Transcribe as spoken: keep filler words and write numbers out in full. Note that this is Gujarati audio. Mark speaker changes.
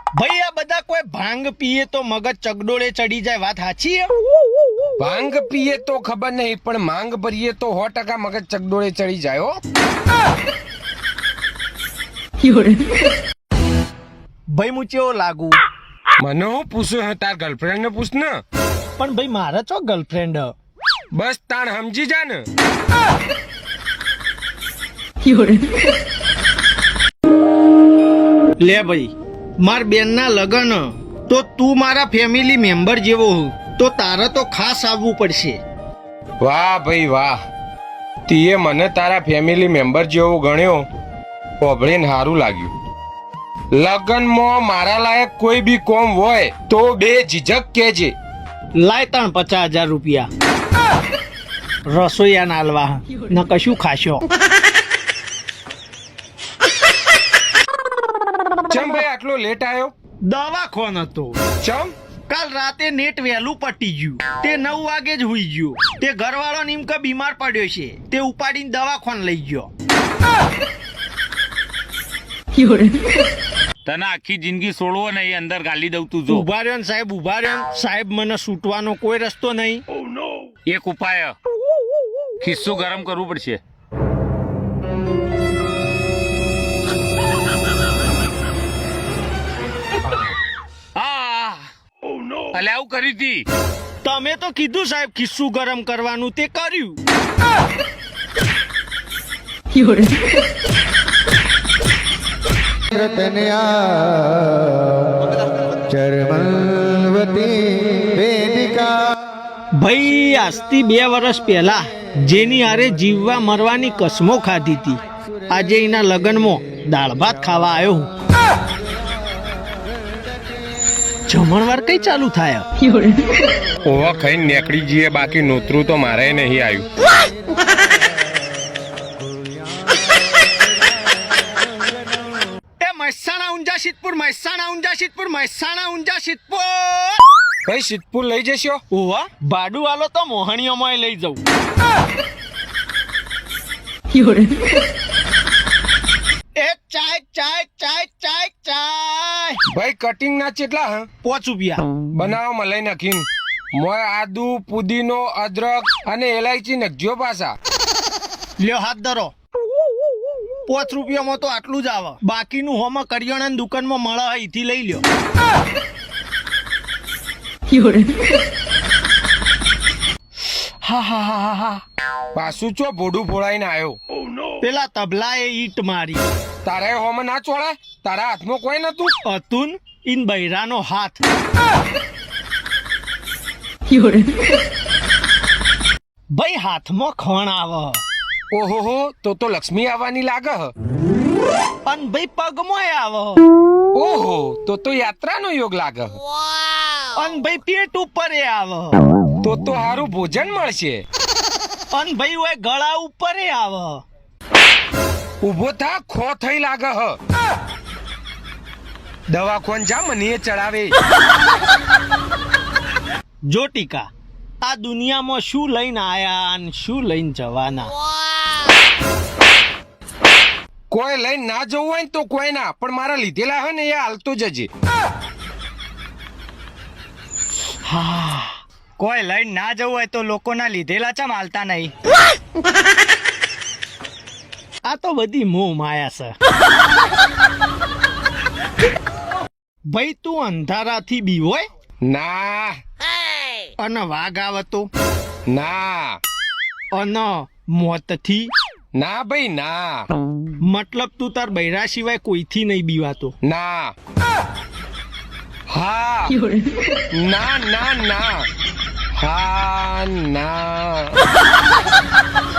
Speaker 1: ભાઈ આ બધા કોઈ ભાંગ પીએ તો મગજ ચગડોળે ચડી જાય, વાત સાચી?
Speaker 2: ભાંગ પીએ તો ખબર નહીં, પણ માંગ ભરીએ તો સો ટકા મગજ ચગડોળે ચડી જાય હો.
Speaker 1: ભાઈ હું ચેવો લાગુ?
Speaker 2: મને હું પૂછું હે, તાર ગર્લફ્રેન્ડ ને પૂછ ને.
Speaker 1: પણ ભાઈ મારા ચો ગર્લફ્રેન્ડ?
Speaker 2: બસ તાણ સમજી જા ને.
Speaker 1: લે ભાઈ, માર બેન ના લગન તો તું મારા ફેમિલી મેમ્બર જેવો હું, તો તારે તો ખાસ આવવું પડશે.
Speaker 2: વાહ ભાઈ વાહ, તીએ મને તારા ફેમિલી મેમ્બર જેવો ગણ્યો, ઓભળીને સારું લાગ્યું. લગનમાં મારા લાયક કોઈ બી કોમ હોય તો બે ઝીઝક કેજે.
Speaker 1: લાય ત્રણ પચાસ હજાર રૂપિયા રસોઈયા નાલવા ન કશું ખાશો.
Speaker 2: ચમ ભાઈ આટલો લેટ આવ્યો?
Speaker 1: દવાખોન હતો.
Speaker 2: ચમ?
Speaker 1: કાલ રાતે નેટ વહેલું પટી ગયું, તે નવ વાગે જ હુઈ ગયો. તે ઘરવાળો નીમકા બીમાર પડ્યો છે, તે ઉપાડીને દવાખોન લઈ ગયો.
Speaker 3: તને આખી જિંદગી છોડવો નહીં, અંદર ગાલી દઉં તું જો.
Speaker 1: ઉભા રહ્યો ને સાહેબ, ઉભા રહ્યો ને સાહેબ, મને છૂટવાનો કોઈ રસ્તો નહીં.
Speaker 3: એક ઉપાય, ખિસ્સું ગરમ કરવું પડશે. અલે આવું કરી હતી?
Speaker 1: તમે તો કીધું સાહેબ ખિસ્સું ગરમ કરવાનું, તે કર્યું. ભાઈ આજથી બે વર્ષ પહેલા જેની હારે જીવવા મરવાની કસમો ખાધી હતી, આજે એના લગ્નમાં દાળ ભાત ખાવા આવ્યો હું. જમણવાર કઈ ચાલુ થાય?
Speaker 2: ઓવા ખાઈને નીકળી જઈએ, બાકી નોતરું તો મારે નહીં આવ્યું.
Speaker 1: એ મહેસાણા ઊંઝા સિદ્ધપુર, મહેસાણા ઊંઝા સિદ્ધપુર, મહેસાણા ઊંઝા સિદ્ધપુર.
Speaker 2: કઈ સિદ્ધપુર લઈ જશો?
Speaker 1: ઓવા ભાડું આલો તો મોહણીઓમાં લઈ જવું. એ ચાય ચાય ચાય ચાય ચાય.
Speaker 2: ભાઈ કટિંગ ના ચેટલા હા?
Speaker 1: પોચ રૂપિયા.
Speaker 2: બનાવો મલાઈ નાખીને. મોય આદુ, પુદીનો, અદરક અને એલાયચી નખજો પાછા.
Speaker 1: લ્યો હાથ ધરો. પોચ રૂપિયામાં તો આટલું જ આવે, બાકીનું હોમાં કરિયાણાની દુકાનમાં મળે, અહીંથી લઈ લ્યો. હા હા હા હા.
Speaker 2: પાછું ચો ભોડું ફોડાઈને આવ્યો.
Speaker 1: પેલા તબલાએ ઈટ મારી.
Speaker 2: તારા હોમાં ના ચોળે? તારા હાથમાં કોઈ નતું?
Speaker 1: અતુન ઇન બૈરાનો હાથ. ભાઈ હાથમાં ખણ આવે.
Speaker 2: ઓહો, તો તો લક્ષ્મી આવવાની લાગે હ.
Speaker 1: અને ભાઈ પગમાં આવે.
Speaker 2: ઓહો, તો તો યાત્રાનો યોગ લાગે હ.
Speaker 1: અને ભાઈ પેટ ઉપર આવે.
Speaker 2: તો તો સારું ભોજન મળશે.
Speaker 1: અને ભાઈ ઓય ગળા ઉપર આવે.
Speaker 2: ઉભો થા, ખો થઈ લાગે હ. દવાખોન જા, મને ચડાવે.
Speaker 1: જો ટીકા, આ દુનિયામાં શું લઈને આયા અને શું લઈને જવાના?
Speaker 2: કોઈ લઈને ના જવું હોય ને તો કોઈ ના, પણ મારા લીધેલા હે ને એ હાલતો જજે.
Speaker 1: હા, કોઈ લઈને ના જવું હોય તો લોકોના લીધેલા ચમ હાલતા નહીં? આ તો બધી મોહ માયા છે. ભાઈ તું અંધારાથી બીવોય?
Speaker 2: ના.
Speaker 1: અને વાઘ આવે તો?
Speaker 2: ના.
Speaker 1: અને મોતથી?
Speaker 2: ના ભાઈ ના.
Speaker 1: મતલબ તું તાર બૈરા સિવાય કોઈથી નહીં બીવાતો?
Speaker 2: ના. હા. ના ના ના. હા ના.